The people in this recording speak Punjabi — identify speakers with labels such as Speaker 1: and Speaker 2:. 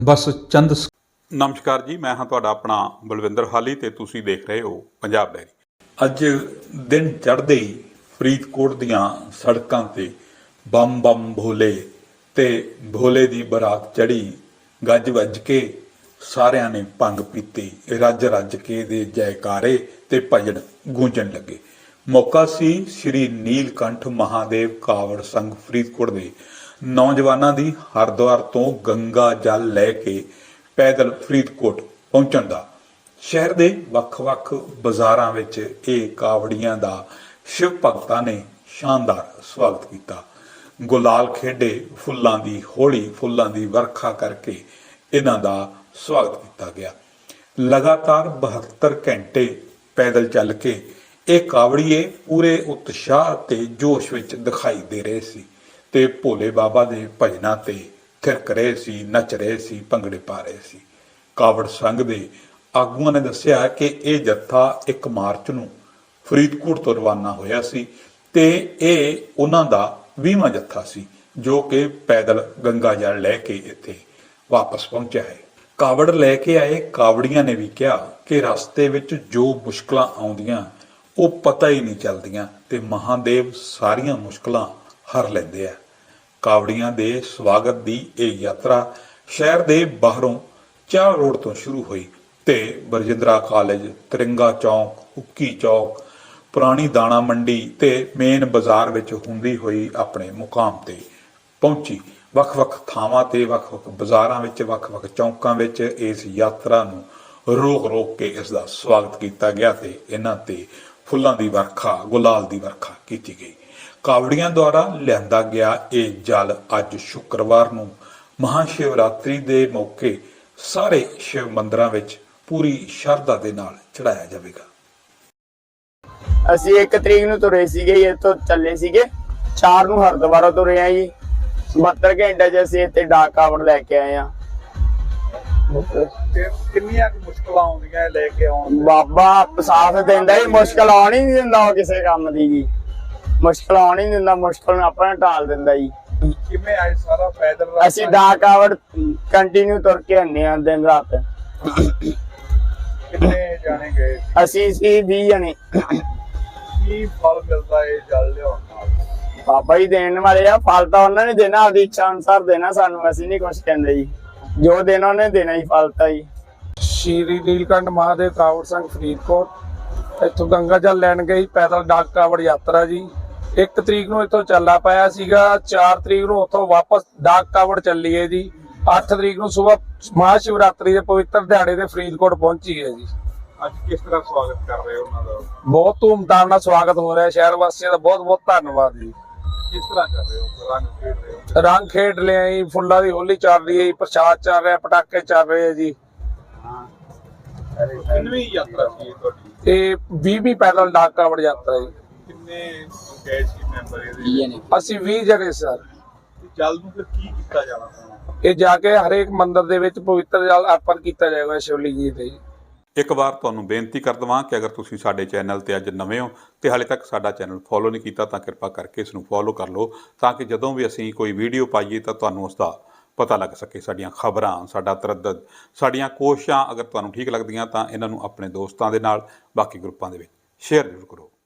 Speaker 1: ਬਸ ਚੰਦ
Speaker 2: ਨਮਸਕਾਰ ਜੀ, ਮੈਂ ਹਾਂ ਤੁਹਾਡਾ ਆਪਣਾ ਬਲਵਿੰਦਰ ਹਾਲੀ ਤੇ ਤੁਸੀਂ ਦੇਖ ਰਹੇ ਹੋ ਪੰਜਾਬ ਡਾਇਰੀ। ਅੱਜ ਦਿਨ ਚੜ੍ਹਦੇ ਹੀ ਫਰੀਦਕੋਟ ਦੀਆਂ ਸੜਕਾਂ ਤੇ ਬੰਮ ਬੰਮ ਭੋਲੇ ਤੇ ਭੋਲੇ ਦੀ ਬਰਾਤ ਚੜ੍ਹੀ। ਗੱਜ ਵੱਜ ਕੇ ਸਾਰਿਆਂ ਨੇ ਭੰਗ ਪੀਤੀ, ਰੱਜ ਰੱਜ ਕੇ ਦੇ ਜੈਕਾਰੇ ਤੇ ਭਜਨ ਗੂੰਜਣ ਲੱਗੇ। ਮੌਕਾ ਸੀ ਸ੍ਰੀ ਨੀਲਕੰਠ ਮਹਾਦੇਵ ਕਾਵੜ ਸੰਘ ਫਰੀਦਕੋਟ ਦੇ ਨੌਜਵਾਨਾਂ ਦੀ ਹਰਿਦੁਆਰ ਤੋਂ ਗੰਗਾ ਜਲ ਲੈ ਕੇ ਪੈਦਲ ਫਰੀਦਕੋਟ ਪਹੁੰਚਣ ਦਾ। ਸ਼ਹਿਰ ਦੇ ਵੱਖ-ਵੱਖ ਬਾਜ਼ਾਰਾਂ ਵਿੱਚ ਇਹ ਕਾਵੜੀਆਂ ਦਾ ਸ਼ਿਵ ਭਗਤਾਂ ਨੇ ਸ਼ਾਨਦਾਰ ਸਵਾਗਤ ਕੀਤਾ। ਗੁਲਾਲ ਖੇਡੇ, ਫੁੱਲਾਂ ਦੀ ਹੋਲੀ, ਫੁੱਲਾਂ ਦੀ ਵਰਖਾ ਕਰਕੇ ਇਹਨਾਂ ਦਾ ਸਵਾਗਤ ਕੀਤਾ ਗਿਆ। ਲਗਾਤਾਰ 72 ਘੰਟੇ ਪੈਦਲ ਚੱਲ ਕੇ ਇਹ ਕਾਵੜੀਏ ਪੂਰੇ ਉਤਸ਼ਾਹ ਤੇ ਜੋਸ਼ ਵਿੱਚ ਦਿਖਾਈ ਦੇ ਰਹੇ ਸੀ ਤੇ ਭੋਲੇ ਬਾਬਾ ਦੇ ਭਜਨਾਂ ਤੇ ਥਿਰਕ ਰਹੇ ਸੀ, ਨੱਚ ਰਹੇ ਸੀ, ਭੰਗੜੇ ਪਾ ਰਹੇ ਸੀ। ਕਾਵੜ ਸੰਘ ਦੇ ਆਗੂਆਂ ਨੇ ਦੱਸਿਆ ਕਿ ਇਹ ਜੱਥਾ 1 ਮਾਰਚ ਨੂੰ ਫਰੀਦਕੋਟ ਤੋਂ ਰਵਾਨਾ ਹੋਇਆ ਸੀ ਤੇ ਇਹ ਉਹਨਾਂ ਦਾ 20ਵਾਂ ਜੱਥਾ ਸੀ ਜੋ ਕਿ ਪੈਦਲ ਗੰਗਾ ਜਲ ਲੈ ਕੇ ਇੱਥੇ ਵਾਪਸ ਪਹੁੰਚਿਆ ਹੈ। ਕਾਵੜ ਲੈ ਕੇ ਆਏ ਕਾਵੜੀਆਂ ਨੇ ਵੀ ਕਿਹਾ ਕਿ ਰਸਤੇ ਵਿੱਚ ਜੋ ਮੁਸ਼ਕਲਾਂ ਆਉਂਦੀਆਂ ਉਹ ਪਤਾ ਹੀ ਨਹੀਂ ਚੱਲਦੀਆਂ ਤੇ ਮਹਾਦੇਵ ਸਾਰੀਆਂ ਮੁਸ਼ਕਲਾਂ ਹਰ ਲੈਂਦੇ ਆ। ਕਾਵੜੀਆਂ ਦੇ ਸਵਾਗਤ ਦੀ ਇਹ ਯਾਤਰਾ ਸ਼ਹਿਰ ਦੇ ਬਾਹਰੋਂ ਚਾਰ ਰੋਡ ਤੋਂ ਸ਼ੁਰੂ ਹੋਈ ਤੇ ਬਰਜਿੰਦਰਾ ਕਾਲਜ, ਤਿਰੰਗਾ ਚੌਕ, ਹੁੱਕੀ ਚੌਕ, ਪੁਰਾਣੀ ਦਾਣਾ ਮੰਡੀ ਤੇ ਮੇਨ ਬਾਜ਼ਾਰ ਵਿੱਚ ਹੁੰਦੀ ਹੋਈ ਆਪਣੇ ਮੁਕਾਮ ਤੇ ਪਹੁੰਚੀ। ਵੱਖ-ਵੱਖ ਥਾਵਾਂ ਤੇ, ਵੱਖ-ਵੱਖ ਬਾਜ਼ਾਰਾਂ ਵਿੱਚ, ਵੱਖ-ਵੱਖ ਚੌਂਕਾਂ ਵਿੱਚ ਇਸ ਯਾਤਰਾ ਨੂੰ ਰੋਕ ਕੇ ਇਸ ਦਾ ਸਵਾਗਤ ਕੀਤਾ ਗਿਆ ਤੇ ਇਹਨਾਂ ਤੇ ਫੁੱਲਾਂ ਦੀ ਵਰਖਾ, ਗੁਲਾਲ ਦੀ ਵਰਖਾ ਕੀਤੀ ਗਈ। ਕਾਵੜੀਆਂ ਦੁਆਰਾ ਲਿਆਂਦਾ ਗਿਆ ਇਹ ਜਲ ਅੱਜ ਸ਼ੁੱਕਰਵਾਰ ਨੂੰ ਮਹਾਸ਼ਿਵਰਾਤਰੀ ਦੇ ਮੌਕੇ ਸਾਰੇ ਸ਼ਿਵ ਮੰਦਿਰਾਂ ਵਿੱਚ ਪੂਰੀ ਸ਼ਰਧਾ ਦੇ ਨਾਲ ਚੜਾਇਆ ਜਾਵੇਗਾ।
Speaker 3: ਅਸੀਂ 1 ਤਰੀਕ ਨੂੰ ਤੁਰੇ ਸੀਗੇ, ਇੱਥੋਂ ਚੱਲੇ ਸੀਗੇ 4 ਨੂੰ ਹਰਿਦੁਆਰ ਤੁਰੇ ਆ ਜੀ। 72 ਘੰਟੇ ਚ ਅਸੀਂ ਇੱਥੇ ਡਾਕ ਕਾਵੜ ਲੈ ਕੇ ਆਏ ਆ।
Speaker 4: ਕਿੰਨੀਆਂ ਮੁਸ਼ਕਲਾਂ ਆਉਂਦੀਆਂ ਲੈ ਕੇ ਆਉਣ?
Speaker 3: ਬਾਬਾ ਸਾਥ ਦਿੰਦਾ ਜੀ, ਮੁਸ਼ਕਲ ਆਉਣ ਹੀ ਨਹੀਂ ਦਿੰਦਾ ਉਹ ਕਿਸੇ ਕੰਮ ਦੀ ਜੀ। ਮੁਸ਼ਕਲ ਆਉਣ ਹੀ ਨਹੀਂ ਦਿੰਦਾ, ਮੁਸ਼ਕਲ ਨੂੰ ਆਪਣਾ ਢਾਲ ਦਿੰਦਾ ਜੀ।
Speaker 4: ਕਿਵੇਂ ਆਏ ਸਾਰਾ ਪੈਦਲ?
Speaker 3: ਅਸੀਂ ਡਾਕ ਕਾਵੜ ਕੰਟੀਨਿਊ ਤੁਰ ਕੇ ਆਉਂਦੇ ਆ ਦਿਨ ਰਾਤ।
Speaker 4: ਕਿੰਨੇ ਜਾਣੇ ਗਏ?
Speaker 3: ਅਸੀਂ ਸੀ 20 ਜਣੇ।
Speaker 4: ਕੀ ਫਲ ਮਿਲਦਾ ਇਹ ਜਲ ਲਿਆਉਣ ਨਾਲ?
Speaker 3: ਬਾਬਾ ਜੀ ਦੇਣ ਵਾਲੇ ਆ, ਫਲ ਤਾਂ ਉਹਨਾਂ ਨੇ ਦੇਣਾ, ਆਪਦੀ ਇੱਛਾ ਅਨੁਸਾਰ ਦੇਣਾ ਸਾਨੂੰ। ਅਸੀਂ ਨਹੀਂ ਕੁਛ ਕਹਿੰਦੇ ਜੀ, ਜੋ ਦੇਣਾ ਉਹਨੇ ਦੇਣਾ ਹੀ, ਫਲ ਤਾਂ ਜੀ।
Speaker 5: ਸ਼੍ਰੀ ਨੀਲਕੰਠ ਮਹਾਦੇਵ ਕਾਵੜ ਸੰਘ ਫਰੀਦਕੋਟ ਇੱਥੋਂ ਗੰਗਾ ਜਲ ਲੈਣ ਗਈ ਪੈਦਲ ਡਾਕ ਕਾਵੜ ਯਾਤਰਾ ਜੀ। 1 ਤਰੀਕ ਨੂੰ ਇੱਥੋਂ ਚੱਲਾ ਪਾਇਆ ਸੀਗਾ, 4 ਤਰੀਕ ਨੂੰ ਉੱਥੋਂ ਵਾਪਸ ਡਾਕ ਕਾਵੜ ਚੱਲੀਏ ਜੀ। 8 ਤਰੀਕ ਨੂੰ ਸਵੇਰ ਮਹਾਸ਼ਿਵਰਾਤਰੀ ਦੇ ਪਵਿੱਤਰ ਦਿਹਾੜੇ ਤੇ ਫਰੀਦਕੋਟ ਪਹੁੰਚੀ ਹੈ ਜੀ।
Speaker 4: ਅੱਜ ਕਿਸ ਤਰ੍ਹਾਂ ਸਵਾਗਤ ਕਰ ਰਹੇ ਹੋ ਉਹਨਾਂ ਦਾ?
Speaker 5: ਬਹੁਤ ਧੂਮਧਾਮ ਨਾਲ ਸਵਾਗਤ ਹੋ ਰਿਹਾ। ਸ਼ਹਿਰ ਵਾਸੀਆਂ ਦਾ ਬਹੁਤ ਬਹੁਤ ਧੰਨਵਾਦ ਜੀ।
Speaker 4: ਕਿਸ ਤਰ੍ਹਾਂ ਕਰ ਰਹੇ ਹੋ? ਰੰਗ ਖੇਡ ਰਹੇ ਹੋ?
Speaker 5: ਰੰਗ ਖੇਡ ਲਿਆ ਜੀ, ਫੁੱਲਾਂ ਦੀ ਹੋਲੀ ਚੱਲ ਰਹੀ ਹੈ ਜੀ, ਪ੍ਰਸ਼ਾਦ ਚੱਲ ਰਿਹਾ, ਪਟਾਕੇ ਚੱਲ ਰਹੇ ਆ ਜੀ।
Speaker 4: ਕਿੰਨਵੀਂ ਯਾਤਰਾ ਸੀ ਤੁਹਾਡੀ?
Speaker 5: ਇਹ 20ਵੀਂ ਪੈਦਲ ਡਾਕ ਕਾਵੜ ਯਾਤਰਾ ਜੀ।
Speaker 4: ਕਿੰਨੇ ਗਏ ਸੀ ਮੈਂਬਰ ਇਹਦੇ?
Speaker 5: ਅਸੀਂ 20 ਜਣੇ ਸਰ।
Speaker 4: ਜਲ ਨੂੰ ਫਿਰ ਕੀ ਕੀਤਾ ਜਾਣਾ?
Speaker 5: ਇਹ ਜਾ ਕੇ ਹਰੇਕ ਮੰਦਿਰ ਦੇ ਵਿੱਚ ਪਵਿੱਤਰ ਜਲ ਅਰਪਣ ਕੀਤਾ ਜਾਏਗਾ ਸ਼ਿਵਲਿੰਗ ਜੀ ਤੇ।
Speaker 2: ਇੱਕ ਵਾਰ ਤੁਹਾਨੂੰ ਬੇਨਤੀ ਕਰ ਦੇਵਾਂ ਕਿ ਅਗਰ ਤੁਸੀਂ ਸਾਡੇ ਚੈਨਲ ਤੇ ਅੱਜ ਨਵੇਂ ਹੋ ਤੇ ਹਾਲੇ ਤੱਕ ਸਾਡਾ ਚੈਨਲ ਫੋਲੋ ਨਹੀਂ ਕੀਤਾ ਤਾਂ ਕਿਰਪਾ ਕਰਕੇ ਇਸ ਨੂੰ ਫੋਲੋ ਕਰ ਲਓ ਤਾਂ ਕਿ ਜਦੋਂ ਵੀ ਅਸੀਂ ਕੋਈ ਵੀਡੀਓ ਪਾਈਏ ਤਾਂ ਤੁਹਾਨੂੰ ਉਸ ਦਾ ਪਤਾ ਲੱਗ ਸਕੇ। ਸਾਡੀਆਂ ਖਬਰਾਂ, ਸਾਡਾ ਤਰੱਦਦ, ਸਾਡੀਆਂ ਕੋਸ਼ਿਸ਼ਾਂ ਅਗਰ ਤੁਹਾਨੂੰ ਠੀਕ ਲੱਗਦੀਆਂ ਤਾਂ ਇਹਨਾਂ ਨੂੰ ਆਪਣੇ ਦੋਸਤਾਂ ਦੇ ਨਾਲ, ਬਾਕੀ ਗਰੁੱਪਾਂ ਦੇ ਵਿੱਚ ਸ਼ੇਅਰ ਜ਼ਰੂਰ ਕਰੋ।